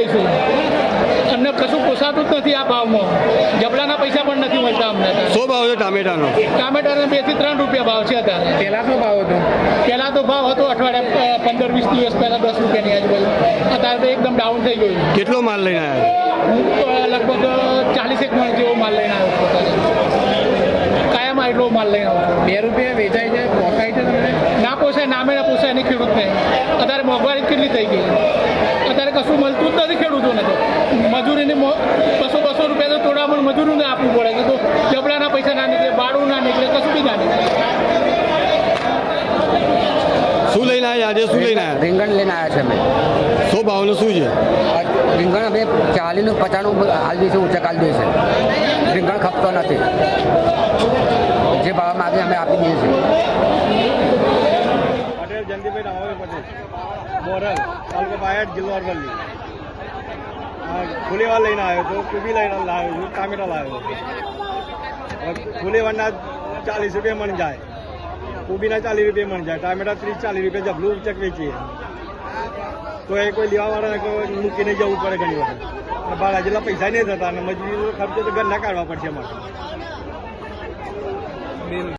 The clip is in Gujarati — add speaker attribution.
Speaker 1: લઈશું. અમને કશું પોસાતું જ નથી આ ભાવમાં. જબલાના પૈસા પણ નથી મળતા અમને.
Speaker 2: શું ભાવ છે ટામેટાનો?
Speaker 1: ટામેટાનો 2 થી 3 રૂપિયા ભાવ છે અત્યારે.
Speaker 3: પહેલા શું ભાવ હતો?
Speaker 1: પહેલાં તો ભાવ હતો અઠવાડિયા 15-20 દિવસ પહેલાં 10 રૂપિયાની આજુબાજુ. અત્યારે તો એકદમ ડાઉન થઈ ગયું.
Speaker 2: કેટલો માલ લઈને આવ્યા?
Speaker 1: હું તો લગભગ 40 મણ જેવો માલ લઈને આવ્યો છું. કાયમ એટલો માલ લઈને આવ્યો છું.
Speaker 3: 2 રૂપિયા વેચાય છે, પોસાય છે તમને?
Speaker 1: ના પોસાય, નામે ના પોસાય નહીં ખેડૂતને. અત્યારે મોંઘવારી કેટલી થઈ ગઈ. અત્યારે કશું મળતું જ નથી ખેડૂતોને. તો મજૂરીને 200 રૂપિયા તો તોડામણ મજૂરીને આપવું પડે. તો જબડાના પૈસા ના નીકળે, ભાડું ના નીકળે, કશું બી ના નીકળે.
Speaker 2: શું લઈને આવ્યા આજે? શું લઈને આવ્યા?
Speaker 4: રીંગણ લઈને આવ્યા છે અમે.
Speaker 2: શું ભાવનું શું છે?
Speaker 4: રીંગણ અમે 40 ને 50 હાલ દઈશું, ઊંચા કાલ દઈશે. રીંગણ ખપતો નથી. જે ભાવ માગે અમે આપી દઈએ છીએ.
Speaker 5: પટેલ જયંતિભાઈ રામાભાઈ પટેલ, મોરલ, તાલુકો બાયડ, જિલ્લો અરવલ્લી. ફુલેવાર લઈને આવ્યો હતો, કુબી લઈને લાવ્યો છું, ટામેટા લાવ્યો છું. ફુલેવારના 40 રૂપિયા મણ જાય, કુબીના 40 રૂપિયા મણ જાય, ટામેટા 30-40 રૂપિયા જબલું ઉચક વેચીએ. તો એ કોઈ લેવાવાળાને કોઈ મૂકીને જવું પડે ઘણી વખત. ભાડા જેટલા પૈસા નહીં થતા અને મજૂરી ખર્ચો તો ઘરના કાઢવા પડશે અમારે.